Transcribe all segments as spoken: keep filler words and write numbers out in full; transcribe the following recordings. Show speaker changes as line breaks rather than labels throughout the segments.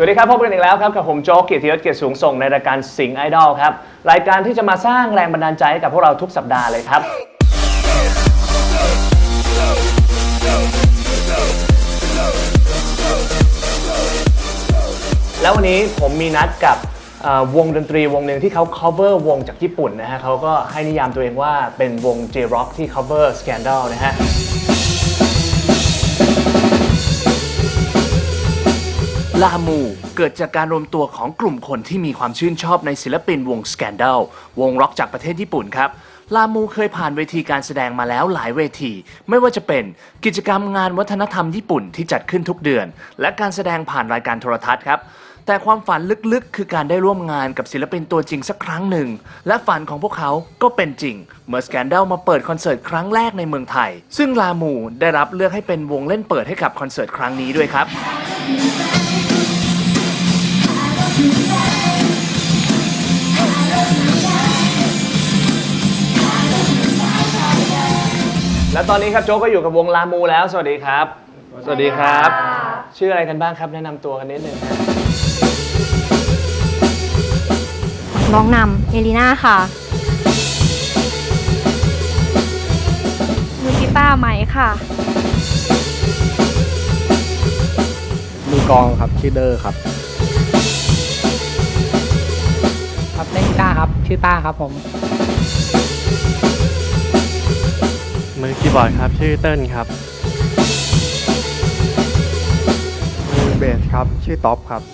วัสดีครับพบกันอีกแล้วครับกับผมโจ๊ก เกียรติยศ เกียรติสูงส่งในรายการสิงห์ไอดอลครับรายการที่จะมาสร้างแรงบันดาลใจให้กับพวกเราทุกสัปดาห์เลยครับแล้ววันนี้ผมมีนัดกับวงดนตรีวงหนึ่งที่เขา cover วงจากญี่ปุ่นนะฮะเขาก็ให้นิยามตัวเองว่าเป็นวง J-Rock ที่ cover Scandal นะฮะลามูเกิดจากการรวมตัวของกลุ่มคนที่มีความชื่นชอบในศิลปินวง Scandal วงร็อกจากประเทศญี่ปุ่นครับลามูเคยผ่านเวทีการแสดงมาแล้วหลายเวทีไม่ว่าจะเป็นกิจกรรมงานวัฒนธรรมญี่ปุ่นที่จัดขึ้นทุกเดือนและการแสดงผ่านรายการโทรทัศน์ครับแต่ความฝันลึกๆคือการได้ร่วมงานกับศิลปินตัวจริงสักครั้งหนึ่งและฝันของพวกเขาก็เป็นจริงเมื่อ Scandal มาเปิดคอนเสิร์ตครั้งแรกในเมืองไทยซึ่งลามูได้รับเลือกให้เป็นวงเล่นเปิดให้กับคอนเสิร์ตครั้งนี้ด้วยครับและตอนนี้ครับโจ๊กก็อยู่กับวงลามูแล้วสวัสดีครับสวัสดีครับชื่ออะไรกันบ้างครับแนะนำตัวกันนิดนึงครับ
ร้องนำเอลิน่าค่ะมือกีตาร์ไหมค่ะ
มือกลองครับชื่อเดอร์ครับ
ครับเล่นกีตาร์ครับชื่อต้าครับผม
มือคีย์บอร์ดครับชื่อเติ้ลครับ
มือเบสครับชื่อท็อปครับ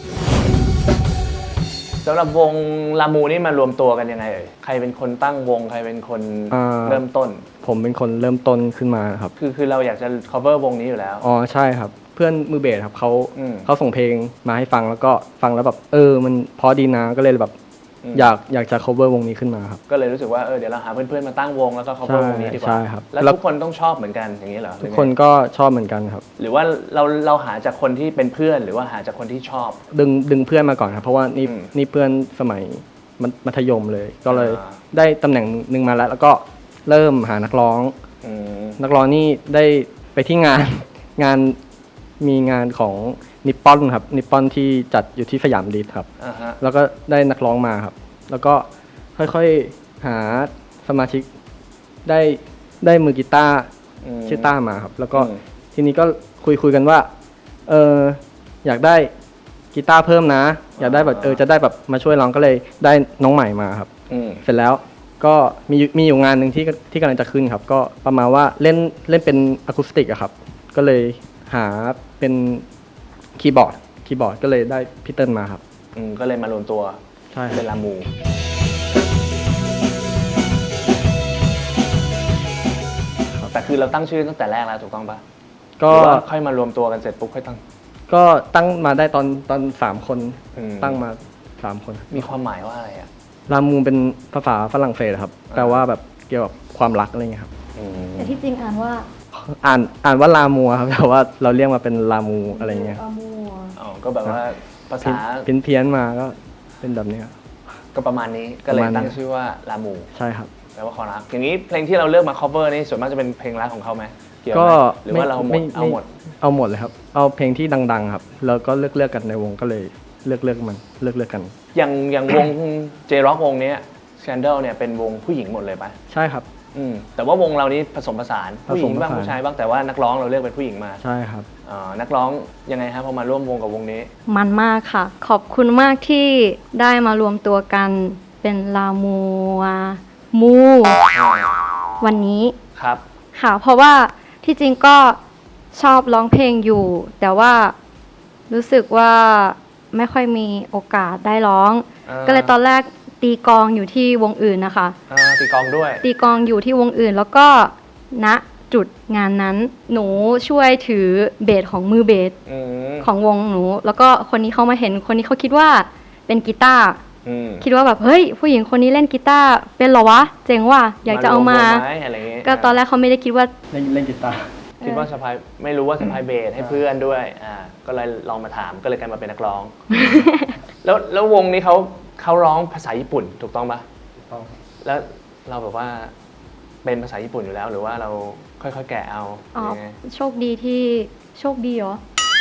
สำหรับวงลามูนี่มารวมตัวกันยังไงเอ่ยใครเป็นคนตั้งวงใครเป็นคนเริ่มต้น
ผมเป็นคนเริ่มต้นขึ้นมาครับ
คือคือเราอยากจะ cover วงนี้อยู่แล้ว
อ๋อใช่ครับเพื่อนมือเบสครับเขาเขาส่งเพลงมาให้ฟังแล้วก็ฟังแล้วแบบเออมันพอดีนะก็เลยแบบอยากอยากจะ cover วงนี้ขึ้นมาครับ
ก็เลยรู้สึกว่าเออเดี๋ยวเราหาเพื่อนๆมาตั้งวงแล้วก็ cover วงนี้ดีกว่า
ใช่ครับ
แล้วทุกคนต้องชอบเหมือนกันอย่างนี้เหรอ
ทุกคนก็ชอบเหมือนกันครับ
หรือว่าเราเราหาจากคนที่เป็นเพื่อนหรือว่าหาจากคนที่ชอบ
ดึงดึงเพื่อนมาก่อนครับเพราะว่านี่นี่เพื่อนสมัยมัธยมเลยก็เลยได้ตำแหน่งหนึ่งมาแล้วแล้วก็เริ่มหานักร้องนักร้องนี่ได้ไปที่งานงานมีงานของนิปปอนครับนิปปอนที่จัดอยู่ที่สยามดิสครับแล้วก็ได้นักร้องมาครับแล้วก็ค่อยๆหาสมาชิกได้ได้มือกีตาร์ชื่อต้ามาครับแล้วก็ทีนี้ก็คุยคุยกันว่าเอออยากได้กีตาร์เพิ่มนะอยากได้แบบเออจะได้แบบมาช่วยร้องก็เลยได้น้องใหม่มาครับเสร็จแล้วก็มีมีอยู่งานหนึ่งที่ที่กำลังจะขึ้นครับก็ประมาณว่าเล่นเล่นเป็นอะคูสติกอะครับก็เลยหาเป็นคีย์บอร์ดคีย์บอร์ดก็เลยได้พี่เติ้ลมาครับ
ก็เลยมารวมตัวเป็นลามูแต่คือเราตั้งชื่อตั้งแต่แรกแล้วถูกต้องปะก็ค่อยมารวมตัวกันเสร็จปุ๊บค่อยตั้ง
ก็ตั้งมาได้ตอนตอนสามคนตั้งมาสามคน
มีความหมายว่าอะไรอะ
ลามูเป็นภาษาฝรั่งเศสครับแปลว่าแบบเกี่ยวกับความรักอะไรเงี้ยครับ
แต่ที่จริงอ่านว่า
อ่านอ่านว่าลามูครับแต่ว่าเราเรียกมาเป็นลามูอะไรเงี้ย
อ๋อก็แบบว่าภาษา
เพี้ยนเพี้ยนมาก็เป็นแบบนี้
ก็ประมาณนี้ก็เลยตั้งชื่อว่าลามู
ใช่ครับ
แปลว่าความรักอย่างนี้เพลงที่เราเลือกมา cover นี่ส่วนมากจะเป็นเพลงรักของเขาไหม
ก็
หรือว่าเราหมดเอาหมด
เอาหมดเลยครับเอาเพลงที่ดังๆครับแล้วก็เลือกเลือกกันในวงก็เลยเลือกเลือกมันเลือกเลือกกัน
อย่างอย่างวง J-Rock วงนี้ Scandal เนี่ยเป็นวงผู้หญิงหมดเลยปะ
ใช่ครับ
อืมแต่ว่าวงเรานี้ผสมผสานผู้หญิงบ้างผู้ชายบ้างแต่ว่านักร้องเราเลือกเป็นผู้หญิงมา
ใช่ครับ
อ่านักร้องยังไงครับพอมาร่วมวงกับวงนี้
มันมากค่ะขอบคุณมากที่ได้มารวมตัวกันเป็นลามูมูวันนี้
ครับ
ค่ะเพราะว่าที่จริงก็ชอบร้องเพลงอยู่แต่ว่ารู้สึกว่าไม่ค่อยมีโอกาสได้ร้องก็เลยตอนแรกตีกลองอยู่ที่วงอื่นนะคะ
ตีกลองด้วย
ตีกลองอยู่ที่วงอื่นแล้วก็ณจุดงานนั้นหนูช่วยถือเบสของมือเบสของวงหนูแล้วก็คนนี้เขามาเห็นคนนี้เขาคิดว่าเป็นกีตาร์คิดว่าแบบเฮ้ยผู้หญิงคนนี้เล่นกีตาร์เป็นเหรอวะเจ๋งว่ะอยากจะเอามาก็ตอนแรกเขาไม่ได้คิดว่า
เล่นเล่นกีตาร์
คิดว่าสะพายไม่รู้ว่าสะพายเบสให้เพื่อนด้วยอ่าก็เลยลองมาถามก็เลยกลายมาเป็นนักร้องแล้วแล้ววงนี้เขาเขาร้องภาษาญี่ปุ่นถูกต้องปะ
ถูกต้อง
แล้วเราแบบว่าเป็นภาษาญี่ปุ่นอยู่แล้วหรือว่าเราค่อยๆแกะเอา
อ๋อโชคดีที่โชคดีเหรอ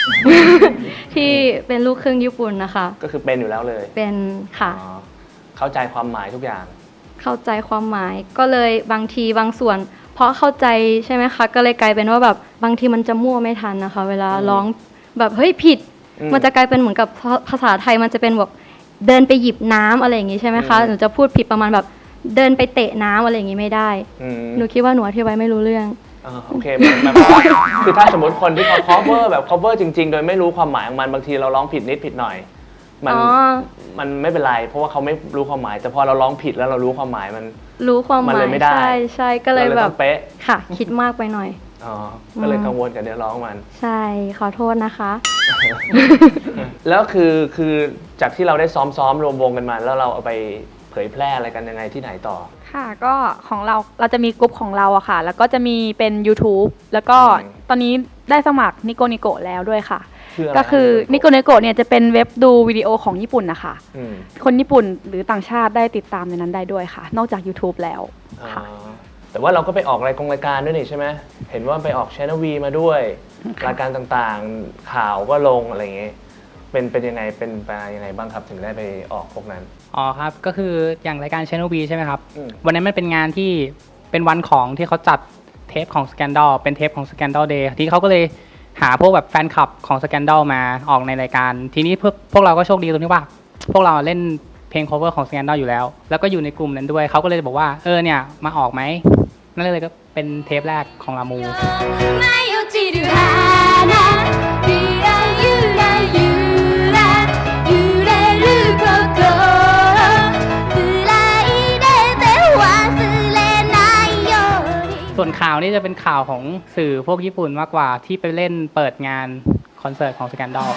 ที่เป็นลูกครึ่งญี่ปุ่นนะคะ
ก็คือเป็นอยู่แล้วเลย
เป็นค่ะ
อ๋อเข้าใจความหมายทุกอย่าง
เข้าใจความหมายก็เลยบางทีบางส่วน เพราะเข้าใจใช่ไหมคะก็เลยกลายเป็นว่าแบบบางทีมันจะมั่วไม่ทันนะคะ เวลาร้องแบบเฮ้ยผิด มันจะกลายเป็นเหมือนกับภาษาไทยมันจะเป็นแบบเดินไปหยิบน้ำอะไรอย่างงี้ใช่ไหมคะหนูจะพูดผิดประมาณแบบเดินไปเตะน้ำอะไรอย่างงี้ไม่ได้หนูคิดว่าหนูอธิบายไม่รู้เรื่อง
อ่าโอเคมันมันว่าคือถ้าสมมติคนที่เขา cover แบบ cover จริงๆ โดยไม่รู้ความหมายของมันบางทีเราร้องผิดนิดผิดหน่อยมัน
อ๋อ
มันไม่เป็นไรเพราะว่าเขาไม่รู้ความหมาย แต่พอเราร้องผิดแล้วเรารู้ความหมายมัน
รู้ความห
มัน
มา
เลย ยไม่ได้
ใช่ใช่ก็เลย
รา
แบ
ต้
บ
องเป๊ะ
ค่ะ คิดมากไปหน่อย
อ๋อก็เลย
อืม
กังวลกับเนื้อร้องมัน
ใช่ขอโทษนะคะ
แล้วคือคือจากที่เราได้ซ้อมๆรวมวงกันมา แล้วเราเอาไปเผยแพร่อะไรกันยังไงที่ไหนต่อ
ค่ะก็ของเราเราจะมีกลุ่มของเราอะค่ะ แล้วก็จะมีเป็น YouTube แล้วก็
อืม
ตอนนี้ได้สมัครนิโกนิโกแล้วด้วยค่ะ
คืออะไร
ก็คือ
ครับ
นิโกนิโกเนี่ยจะเป็นเว็บดูวิดีโอของญี่ปุ่นนะคะ
อืม
คนญี่ปุ่นหรือต่างชาติได้ติดตามในนั้นได้ด้วยค่ะ นอกจาก YouTube แล้ว
อ่า
ค่ะ
แต่ว่าเราก็ไปออกรายกงรายการด้วยนี่ใช่ไหมเห็นว่าไปออก Channel V มาด้วย รายการต่างๆ ข่าวก็ลงอะไรอย่างเงี้ยเป็นเป็นยังไงเป็นไปยังไงบ้างครับถึงได้ไปออกพวกนั้น
อ๋อครับ ก็คืออย่างรายการ Channel V ใช่ไหมครับ
อืม
วันนั้นมันเป็นงานที่เป็นวันของที่เขาจัดเทปของ Scandal เป็นเทปของ Scandal Day ที่เขาก็เลยหาพวกแบบแฟนคลับของ Scandal มาออกในรายการ ทีนี้พวกพวกเราก็โชคดีตรงที่ว่า พวกเราเล่นเพลง cover ของ Scandal อยู่แล้ว แล้วก็อยู่ในกลุ่มนั้นด้วย เขาก็เลยบอกว่าเออเนี่ยมาออกไหมนั่นเลยก็เป็นเทปแรกของลามู
舞い落ちる花ゆらゆらゆら揺れる心繋いでて忘れないように
ส่วนข่าวนี่จะเป็นข่าวของสื่อพวกญี่ปุ่นมากกว่าที่ไปเล่นเปิดงานคอนเสิร์ตของ Scandal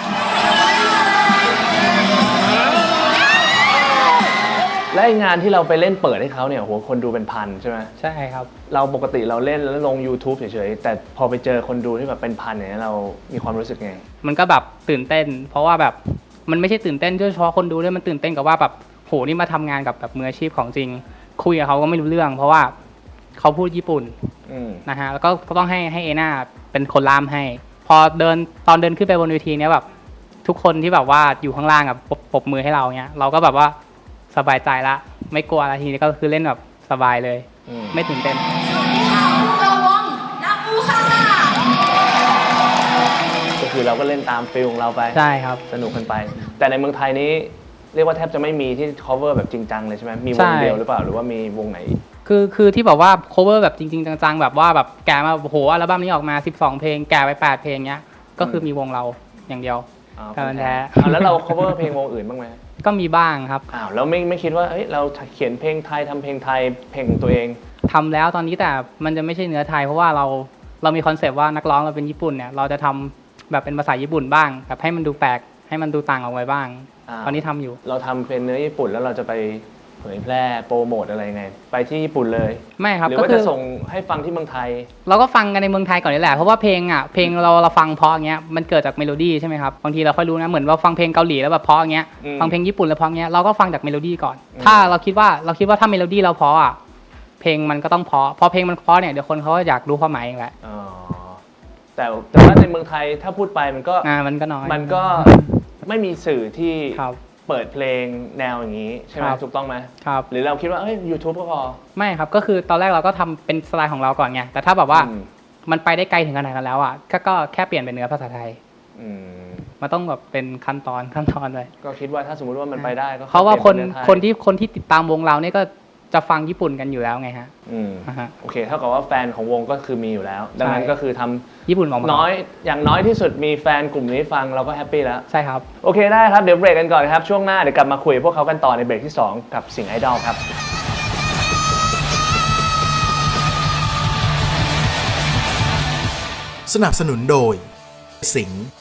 และไอ้งานที่เราไปเล่นเปิดให้เขาเนี่ยโหคนดูเป็นพันใช่ไหม
ใช่ครับ
เราปกติเราเล่นแล้วลง YouTube เฉยๆแต่พอไปเจอคนดูที่แบบเป็นพันอย่างนี้ยเรามีความรู้สึกไง
มันก็แบบตื่นเต้น เพราะว่าแบบมันไม่ใช่ตื่นเต้นเฉพาะคนดูด้วยมันตื่นเต้นกับว่าแบบโหนี่มาทำงานกับแบบมืออาชีพของจริง คุยกับเขาก็ไม่รู้เรื่อง เพราะว่าเขาพูดญี่ปุ่น
อืม
นะฮะแล้วก็ก็ต้องให้ให้เอน่าเป็นคนล่ามให้ พอเดินตอนเดินขึ้นไปบนเวทีเนี้ยแบบทุกคนที่แบบว่าอยู่ข้างล่างอ่ะปรบปรบมือให้เราเนี้ยเราก็แบบว่าสบายใจละไม่กลัวอะไรทีนี้ก็คือเล่นแบบสบายเลย
อืม
ไม่ตื่นเต้น
ก็คือเราก็เล่นตามฟิลของเราไป
ใช่ครับ
สนุกกันไป แต่ในเมืองไทยนี้เรียกว่าแทบจะไม่มีที่ cover แบบจริงจังเลยใช่ไหมมีว
ใช่
งเดียวหรือเปล่าหรือว่ามีวงไหนอีก
คือคือที่แบบว่า cover แบบจริงๆจังๆแบบว่าแบบแกะมาโอ้โหอัลบั้มนี้ออกมาสิบสองเพลงแกะไปแปดเพลงเนี้ยก็คือมีวงเราอย่างเดียว
อ๋อ
การแท้
อ่าแล้วเรา cover เพลงวงอื่นบ้างไหม
ก็มีบ้างครับ
อ้าวแล้วไม่ไม่คิดว่าเอ้ยเราเขียนเพลงไทยทำเพลงไทยเพลงของตัวเอง
ทำแล้วตอนนี้แต่มันจะไม่ใช่เนื้อไทยเพราะว่าเราเรามีคอนเซปต์ว่านักร้องเราเป็นญี่ปุ่นเนี่ยเราจะทำแบบเป็นภาษาญี่ปุ่นบ้างแบบให้มันดูแปลกให้มันดูต่างออกไปบ้าง
อ่า
ตอนนี้ทำอยู่
เราทำเป็นเนื้อญี่ปุ่นแล้วเราจะไปเผยแพร่โปรโมทอะไรยังไง ไปที่ญี่ปุ่นเลย
ไม่ครับ
หรือ
ก็
ว่า
คื
จะ
อ
ส่งให้ฟังที่เมืองไทย
เราก็ฟังกันในเมืองไทยก่อนนี่แหละเพราะว่าเพลงอ่ะเพลงเราเราฟังเพราะอย่างเงี้ยมันเกิดจากเมโลดี้ใช่ไหมครับบางทีเราค่อยรู้นะเหมือนว่าฟังเพลงเกาหลีแล้วแบบเพราะอย่างเงี้ย
อืม
ฟังเพลงญี่ปุ่นแล้วเพราะอย่างเงี้ยเราก็ฟังจากเมโลดี้ก่อน
อืม
ถ้าเราคิดว่าเราคิดว่าถ้าเมโลดี้เราเพราะอ่ะเพลงมันก็ต้องเพราะพอเพลงมันเพราะเนี่ยเดี๋ยวคนเขาก็อยากรู้ความหมายเองแหละ
อ๋อแต่แต่ว่าในเมืองไทยถ้าพูดไปมันก็
อ่ามันก็น้อย
มันก็ไม่มีสื่อที่
ครับ
เปิดเพลงแนวอย่างนี้ใช่ไหม
ครับ
ถูกต้องไหม
ครับ
หรือเราคิดว่าเอ้ย YouTube ก็พอ
ไม่ครับก็คือตอนแรกเราก็ทำเป็นสไตล์ของเราก่อนไงแต่ถ้าแบบว่า
อืม
มันไปได้ไกลถึงขนาดนั้นแล้วอ่ะก็ก็แค่เปลี่ยนเป็นเนื้อภาษาไทย
อืม
มันต้องแบบเป็นขั้นตอนขั้นตอนเลย
ก็คิดว่าถ้าสมมุติว่ามันไปได้ก็
เพราะว่าคน
ปลี่ยเป็เอไทย
คนที่คนที่ติดตามวงเราเนี่ยก็จะฟังญี่ปุ่นกันอยู่แล้วไงฮะ
อืม
อ่าฮะ
โอเคเท่ากับว่าแฟนของวงก็คือมีอยู่แล้ว ดังนั้น
ใช่
ก็คือทำ
ญี่ปุ่นออกมา
น้อยอย่างน้อยที่สุดมีแฟนกลุ่มนี้ฟังเราก็แฮปปี้แล้ว
ใช่ครับ
โอเคได้ครับ เดี๋ยวเบรกกันก่อนครับ ช่วงหน้าเดี๋ยวกลับมาคุยกับพวกเขากันต่อในเบรกที่สองกับสิงห์ไอดอลครับ
สนับสนุนโดยสิงห์